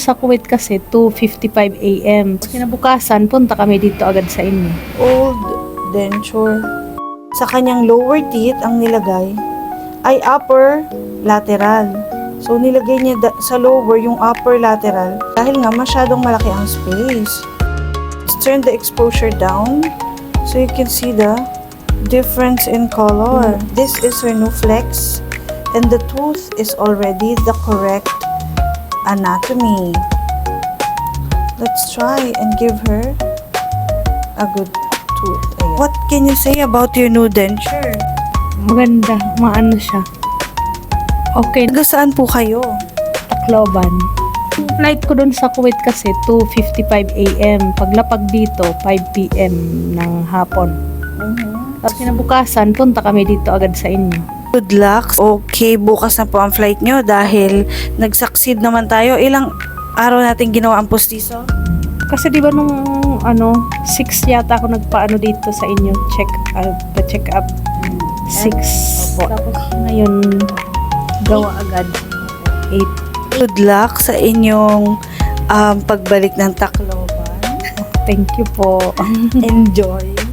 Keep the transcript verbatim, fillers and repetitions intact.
Sa Kuwait kasi, two fifty-five a m Kinabukasan, punta kami dito agad sa inyo. Old denture. Sa kanyang lower teeth, ang nilagay ay upper lateral. So, nilagay niya sa lower yung upper lateral dahil nga masyadong malaki ang space. Let's turn the exposure down so you can see the difference in color. This is Renuflex and the tooth is already the correct anatomy. Let's try and give her a good tooth. Ayan. What can you say about your new denture? Maganda, maano siya. Okay, Taga saan po kayo? Tacloban. Flight ko dun sa Kuwait kasi, two fifty-five a m Paglapag dito, five p m ng hapon. Mm-hmm. Tapos kinabukasan, punta kami dito agad sa inyo. Good luck. Okay, bukas na po ang flight nyo dahil nag-succeed naman tayo. Ilang araw natin ginawa ang postiso? Kasi di ba nung ano, six yata ako nagpaano dito sa inyo, check up, pa-check up. Six. Opo. Tapos ngayon, gawa agad. Eight. Good luck sa inyong um, pagbalik ng Tacloban. Thank you po. Enjoy.